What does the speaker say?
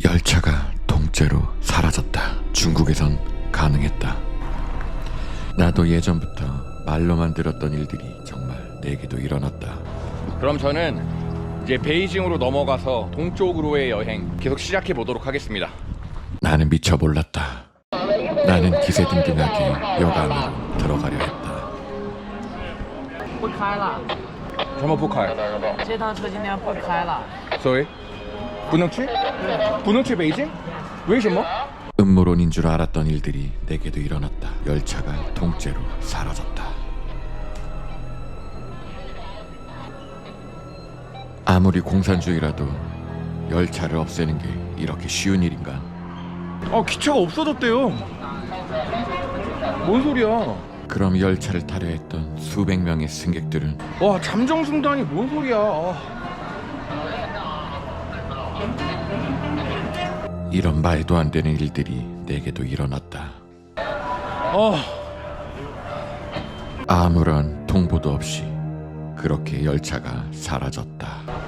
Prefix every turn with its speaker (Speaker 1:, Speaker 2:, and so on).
Speaker 1: 열차가 통째로 사라졌다. 중국에선 가능했다. 나도 예전부터 말로만 들었던 일들이 정말 내게도 일어났다.
Speaker 2: 그럼 저는 이제 베이징으로 넘어가서 동쪽으로의 여행 계속 시작해 보도록 하겠습니다.
Speaker 1: 나는 미처 몰랐다. 나는 기세등등하게 역 안으로 들어가려 했다.
Speaker 3: 不开了，
Speaker 2: 什么不开？
Speaker 3: 这趟车今天不开了。
Speaker 2: Sorry，不能去？不能去北京？为什么？
Speaker 1: 음모론인 줄 알았던 일들이 내게도 일어났다. 열차가 통째로 사라졌다. 아무리 공산주의라도 열차를 없애는 게 이렇게 쉬운 일인가?
Speaker 2: 기차가 없어졌대요. 뭔 소리야?
Speaker 1: 그럼 열차를 타려 했던 수백 명의 승객들은
Speaker 2: 와, 잠정승단이 뭔 소리야?
Speaker 1: 이런 말도 안 되는 일들이 내게도 일어났다. 아무런 통보도 없이 그렇게 열차가 사라졌다.